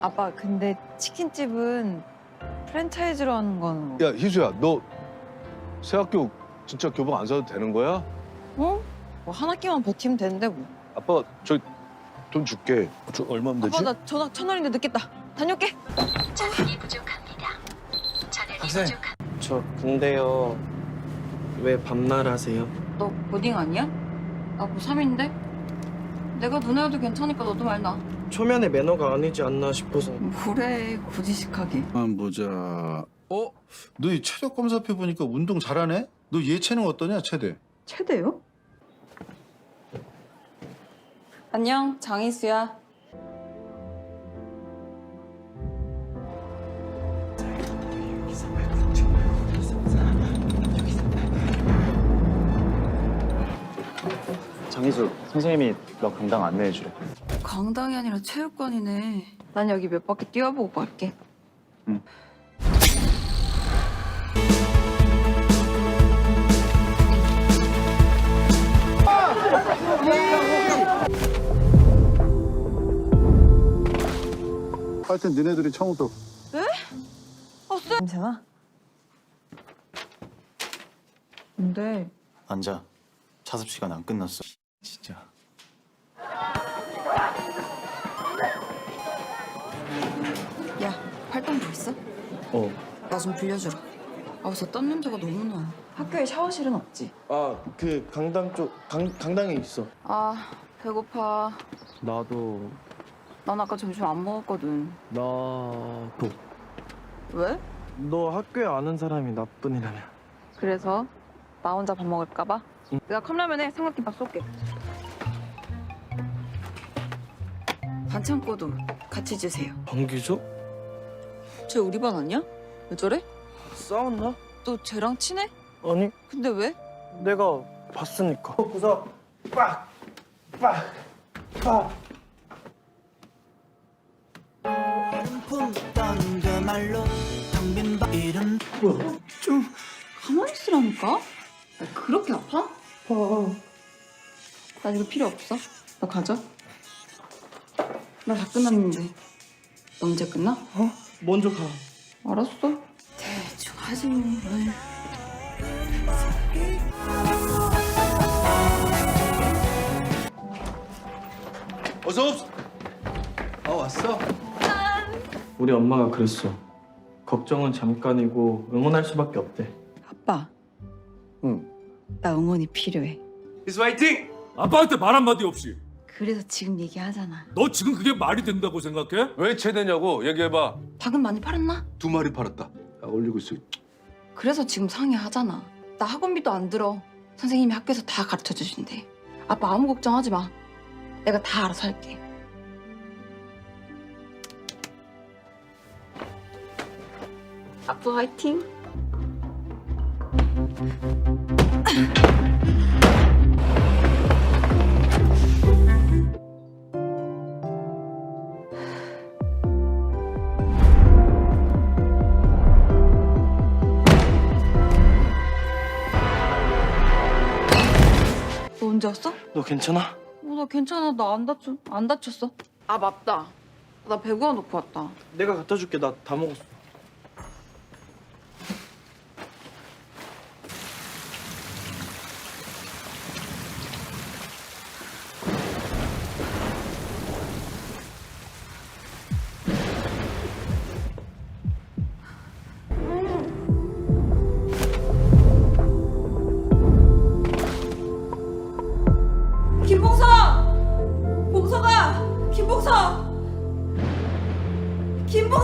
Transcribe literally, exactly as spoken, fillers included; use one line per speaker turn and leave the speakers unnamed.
아빠, 근데 치킨집은 프랜차이즈로 하는 건
야, 희수야, 너 새 학교 진짜 교복 안 사도 되는 거야?
어? 뭐 한 학기만 버티면 되는데 뭐.
아빠, 저 돈 줄게. 저 얼마면 되지?
아빠, 나 전화 천 원인데 늦겠다. 다녀올게.
자원이 부족합니다. 자원이
학생.
부족합니다.
저 근데요 왜 밤날 하세요?
너 고딩 아니야? 나 고삼인데? 내가 눈에 와도 괜찮으니까 너도 말 나.
초면에 매너가 아니지 않나 싶어서.
뭐래, 고지식하게.
한 보자. 어? 너 이 체력 검사표 보니까 운동 잘하네? 너 예체능 어떠냐, 체대?
최대요? 안녕, 장희수야.
장희수 선생님이 너 강당 안내해주래.
강당이 아니라 체육관이네. 난 여기 몇 바퀴 뛰어보고 갈게.
응.
하여튼 너네들이 처음부터
버스? 괜찮아? 근데
앉아. 자습 시간 안 끝났어. 진짜.
야, 팔당 뭐 있어?
어.
나 좀 빌려주라. 아, 저 땀 냄새가 너무 나. 학교에 샤워실은 없지?
아 그 강당 쪽 강, 강당에 있어.
아, 배고파.
나도
난 아까 점심 안 먹었거든.
나도.
왜?
너 학교에 아는 사람이 나뿐이라며.
그래서 나 혼자 밥 먹을까 봐?
응.
내가 컵라면에 삼각김밥 쏠게. 반창고도 같이 주세요.
정규죠?
쟤 우리 반 아니야? 왜 저래?
싸웠나?
너 쟤랑 친해?
아니
근데 왜?
내가 봤으니까. 구석 빡! 빡! 빡!
품던 그 말로 텅빈 방 이름
좀 가만히 있으라니까? 야, 그렇게 아파?
아,
나 이거 필요 없어. 나 가자. 나 다 끝났는데. 너 언제 끝나?
어? 먼저 가.
알았어. 대충 하지 뭐. 에이.
어서 옵. 아 왔어?
우리 엄마가 그랬어. 걱정은 잠깐이고 응원할 수밖에 없대.
아빠.
응.
나 응원이 필요해.
희수 화이팅! 아빠한테 말 한마디 없이.
그래서 지금 얘기하잖아.
너 지금 그게 말이 된다고 생각해?
왜 체대냐고 얘기해봐.
닭은 많이 팔았나?
두 마리 팔았다. 야, 올리고 있어.
그래서 지금 상의하잖아. 나 학원비도 안 들어. 선생님이 학교에서 다 가르쳐 주신대. 아빠 아무 걱정하지 마. 내가 다 알아서 할게. 아빠 화이팅. 너 언제 왔어?
너 괜찮아?
어, 나 괜찮아. 나 안 다쳤, 안 다쳤어. 아, 맞다. 나 배구화 놓고 왔다.
내가 갖다 줄게. 나 다 먹었어.
김봉서! 봉서가! 김봉서! 김봉